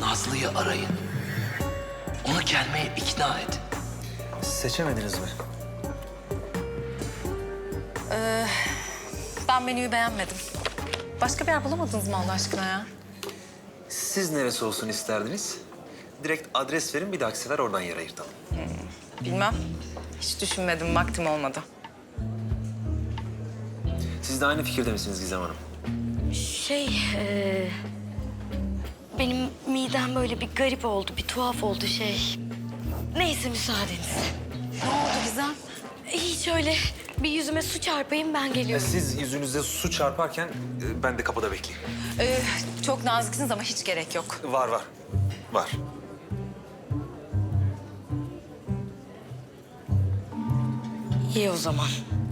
Nazlı'yı arayın. Onu gelmeye ikna et. Seçemediniz mi? Ben menüyü beğenmedim. Başka bir yer bulamadınız mı Allah aşkına ya? Siz neresi olsun isterdiniz? Direkt adres verin, bir dahaki sefer oradan yer ayırtalım. Bilmem. Hiç düşünmedim, vaktim olmadı. Siz de aynı fikirde misiniz Gizem Hanım? Benim midem böyle bir garip oldu, bir tuhaf oldu şey. Neyse müsaadeniz. Ne oldu Gizem? Hiç öyle bir yüzüme su çarpayım ben geliyorum. Siz yüzünüze su çarparken ben de kapıda bekleyeyim. Çok naziksiniz ama hiç gerek yok. Var. Var. İyi o zaman.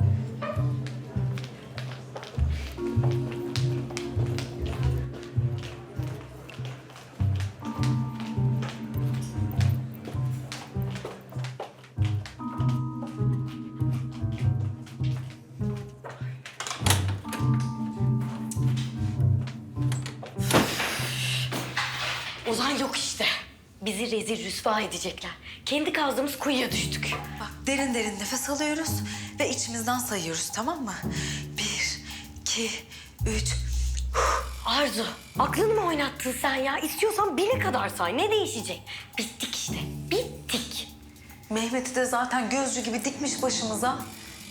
Ozan yok işte. Bizi rezil rüsva edecekler. Kendi kazdığımız kuyuya düştük. Bak derin derin nefes alıyoruz ve içimizden sayıyoruz, tamam mı? 1, 2, 3. Arzu, aklını mı oynattın sen ya? İstiyorsan bine kadar say. Ne değişecek? Bittik işte. Bittik. Mehmet'i de zaten gözcü gibi dikmiş başımıza.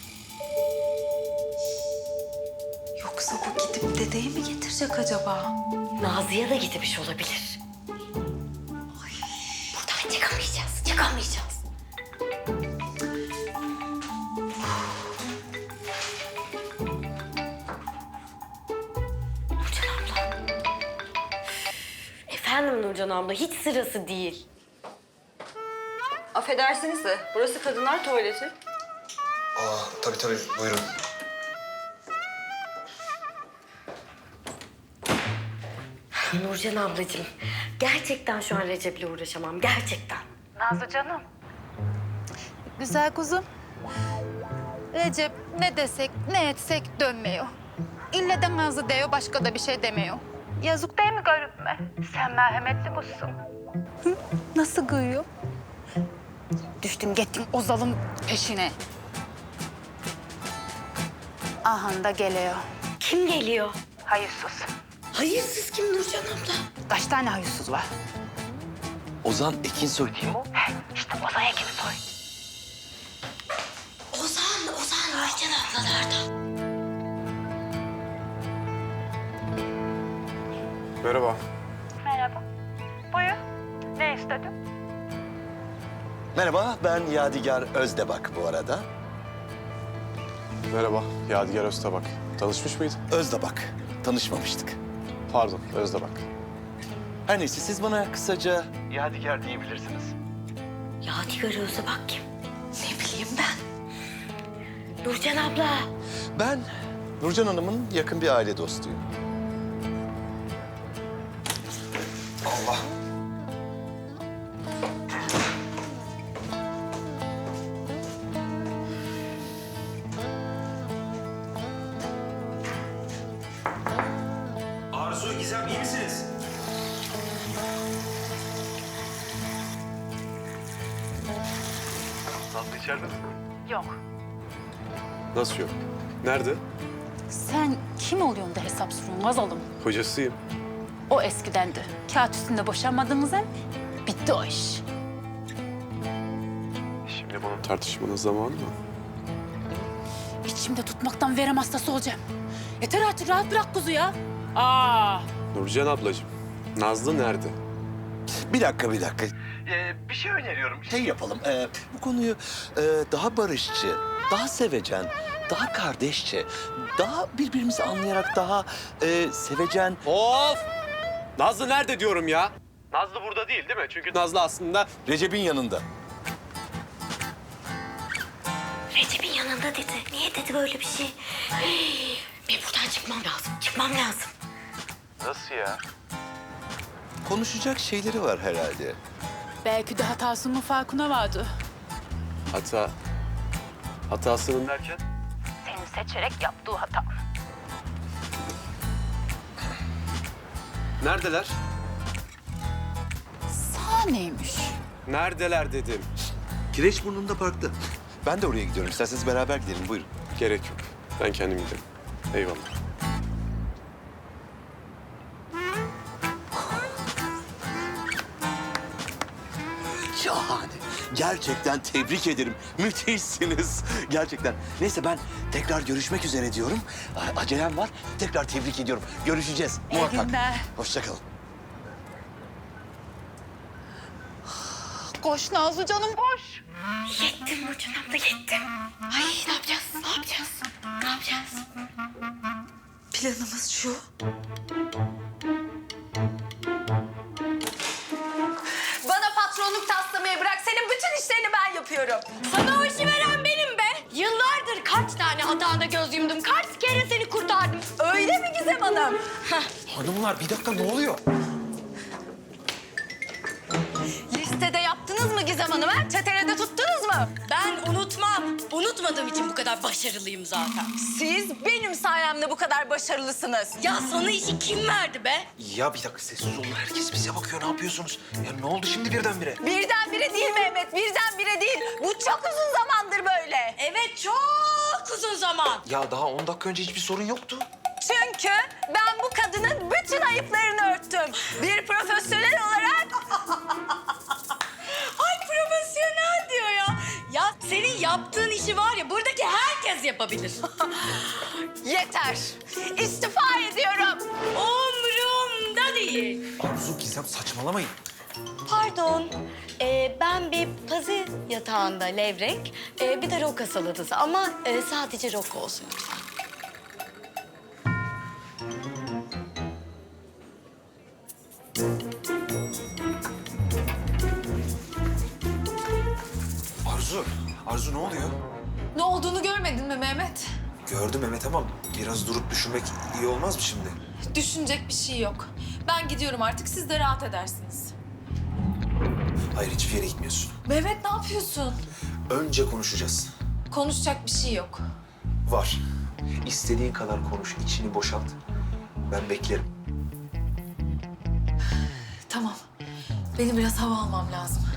Yoksa bu gidip dedeyi mi getirecek acaba? Nazlı'ya da gitmiş olabilir. Buradan çıkamayacağız, çıkamayacağız. Nurcan abla. Efendim Nurcan abla, hiç sırası değil. Affedersiniz de burası kadınlar tuvaleti. Tabii buyurun. Nurcan ablacığım, gerçekten şu an Recep'le uğraşamam, gerçekten. Nazlı canım. Güzel kuzum. Recep ne desek ne etsek dönmüyor. İlle de Nazlı diyor, başka da bir şey demiyor. Yazık değil mi garibime? Sen merhametli kuzsun. Nasıl kıyıyor? Düştüm gittim Ozal'ın peşine. Ahan da geliyor. Kim geliyor? Hayırsız. Hayırsız kim Nurcan abla? Kaç tane hayırsız var? Ozan Ekinsoy değil mi o? İşte Ozan Ekinsoy. Ozan Nurcan ablalarda. Merhaba. Merhaba. Buyur. Ne istedin? Merhaba, ben Yadigar Özdebak bu arada. Merhaba. Yadigar Öztabak. Tanışmış mıydın? Özdebak, tanışmamıştık. Pardon, Özdebak. Her neyse, siz bana kısaca Yadigar diyebilirsiniz. Yadigar Özebak kim? Ne bileyim ben. Nurcan abla. Ben Nurcan Hanım'ın yakın bir aile dostuyum. Allah. Arzu, Gizem iyi misiniz? Nazlı içeride mi? Yok. Nasıl yok? Nerede? Sen kim oluyorsun da hesap soruyorsun Gazalım? Hocasıyım. O eskidendi. Kağıt üstünde boşanmadığımız hem bitti o iş. Şimdi bunun tartışmanın zamanı mı? İçimde tutmaktan verem hastası olacağım. Yeter artık, rahat bırak kuzu ya. Nurcan ablacığım, Nazlı nerede? Bir dakika. Bir şey öneriyorum. Şey yapalım, bu konuyu daha barışçı, daha sevecen, daha kardeşçe, daha birbirimizi anlayarak daha sevecen... Of! Nazlı nerede diyorum ya? Nazlı burada değil mi? Çünkü Nazlı aslında... Recep'in yanında. Recep'in yanında dedi. Niye dedi böyle bir şey? Benim buradan çıkmam lazım. Nasıl ya? Konuşacak şeyleri var herhalde. Belki de hatasının farkına vardı. Hatasının derken? Seni seçerek yaptığı hata. Neredeler? O neymiş? Neredeler dedim. Kireçburnu'nda parkta. Ben de oraya gidiyorum. İsterseniz beraber gidelim. Buyurun. Gerek yok. Ben kendim giderim. Eyvallah. Şahane. Gerçekten tebrik ederim. Müthişsiniz. Gerçekten. Neyse ben tekrar görüşmek üzere diyorum. Acelem var. Tekrar tebrik ediyorum. Görüşeceğiz. Muhakkak. günler. Hoşça kalın. Koş Nazlı canım koş. Yettim Burcu abla yettim. Ay ne yapacağız? Ne yapacağız? Ne yapacağız? Planımız şu. Bana patronluk taslamayı bırak. Senin bütün işlerini ben yapıyorum. Sana o işi veren benim be. Yıllardır kaç tane hatanda göz yumdum. Kaç kere seni kurtardım. Öyle mi Gizem Hanım? Hanımlar bir dakika ne oluyor? Listede yaptınız mı Gizem Hanım? Ha? Çetelede tuttunuz mu? Ben unutmam. Unutmadığım için bu kadar başarılıyım zaten. Siz benim sayemde bu kadar başarılısınız. Ya sana işi kim verdi be? Ya bir dakika sessiz olun. Herkes bize bakıyor. Ne yapıyorsunuz? Ya ne oldu şimdi birdenbire? Birdenbire değil Mehmet, birdenbire değil. Bu çok uzun zamandır böyle. Evet çok uzun zaman. Ya daha 10 dakika önce hiçbir sorun yoktu. Çünkü ben bu kadının bütün ayıplarını örttüm. Bir profesyonel olarak... Ay profesyonel diyor ya. Ya senin yaptığın işi var ya buradaki herkes yapabilir. Yeter. İstifa ediyorum. Umrumda değil. Arzu, Gizem saçmalamayın. Pardon. Ben bir pazı yatağında levrek, bir de roka salatası ama sadece roka olsun lütfen. Arzu ne oluyor? Ne olduğunu görmedin mi Mehmet? Gördüm Mehmet ama biraz durup düşünmek iyi olmaz mı şimdi? Düşünecek bir şey yok. Ben gidiyorum artık, siz de rahat edersiniz. Hayır hiçbir yere gitmiyorsun. Mehmet ne yapıyorsun? Önce konuşacağız. Konuşacak bir şey yok. Var. İstediğin kadar konuş, içini boşalt. Ben beklerim. Tamam. Benim biraz hava almam lazım.